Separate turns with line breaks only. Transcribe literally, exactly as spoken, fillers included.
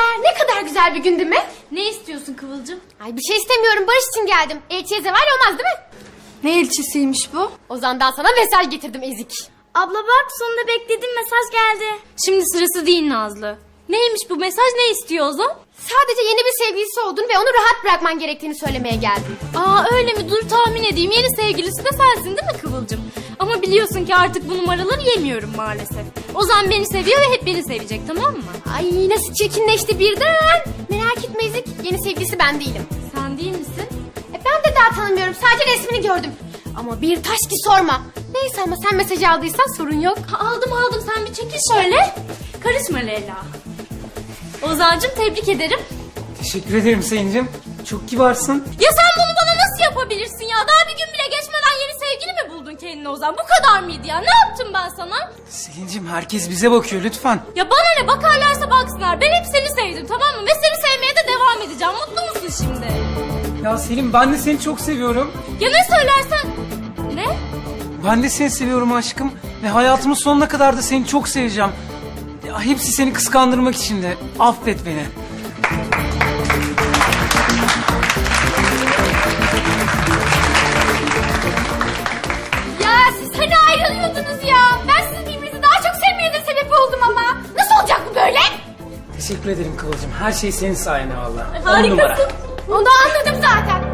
Tebrikler. Ne kadar güzel bir gün değil mi?
Ne istiyorsun Kıvılcım?
Ay bir şey istemiyorum. Barış için geldim. Elçiye zeval olmaz değil mi?
Ne elçisiymiş bu?
Ozan'dan sana mesaj getirdim ezik.
Abla bak, sonunda beklediğim mesaj geldi. Şimdi sırası değil Nazlı. Neymiş bu mesaj, ne istiyor Ozan?
Sadece yeni bir sevgilisi oldun ve onu rahat bırakman gerektiğini söylemeye geldim.
Aa öyle mi? Dur tahmin edeyim. Yeni sevgilisi de sensin değil mi Kıvılcım? Ama biliyorsun ki artık bu numaraları yemiyorum maalesef. Ozan beni seviyor ve hep beni sevecek, tamam mı?
Ay nasıl çirkinleşti birden. Merak etme ezik. Yeni sevgilisi ben değilim.
Sen değil misin?
E, ben de daha tanımıyorum. Sadece resmini gördüm. Ama bir taş ki sorma. Neyse ama sen mesajı aldıysan sorun yok.
Ha, aldım aldım, sen bir çekil şöyle. Karışma Leyla. Ozan'cığım tebrik ederim.
Teşekkür ederim Selin'cim. Çok kibarsın.
Ya sen bunu bana nasıl yapabilirsin ya? Daha bir gün bile geçmeden yeni sevgili mi buldun kendine Ozan? Bu kadar mıydı ya? Ne yaptım ben sana?
Selin'cim herkes bize bakıyor lütfen.
Ya bana ne, bakarlarsa baksınlar. Ben hep seni sevdim, tamam mı? Ve seni sevmeye de devam edeceğim. Mutlu musun şimdi?
Ya Selin ben de seni çok seviyorum.
Ya ne söylersen? Ne?
Ben de seni seviyorum aşkım. Ve hayatımın sonuna kadar da seni çok seveceğim. Ya hepsi seni kıskandırmak için de. Affet beni.
Ya siz hani ayrılıyordunuz ya. Ben sizin birbirinizi daha çok sevmenize sebep oldum ama. Nasıl olacak bu böyle?
Teşekkür ederim Kıvılcım. Her şey senin sayende valla.
Harikasın.
Onu anladım zaten.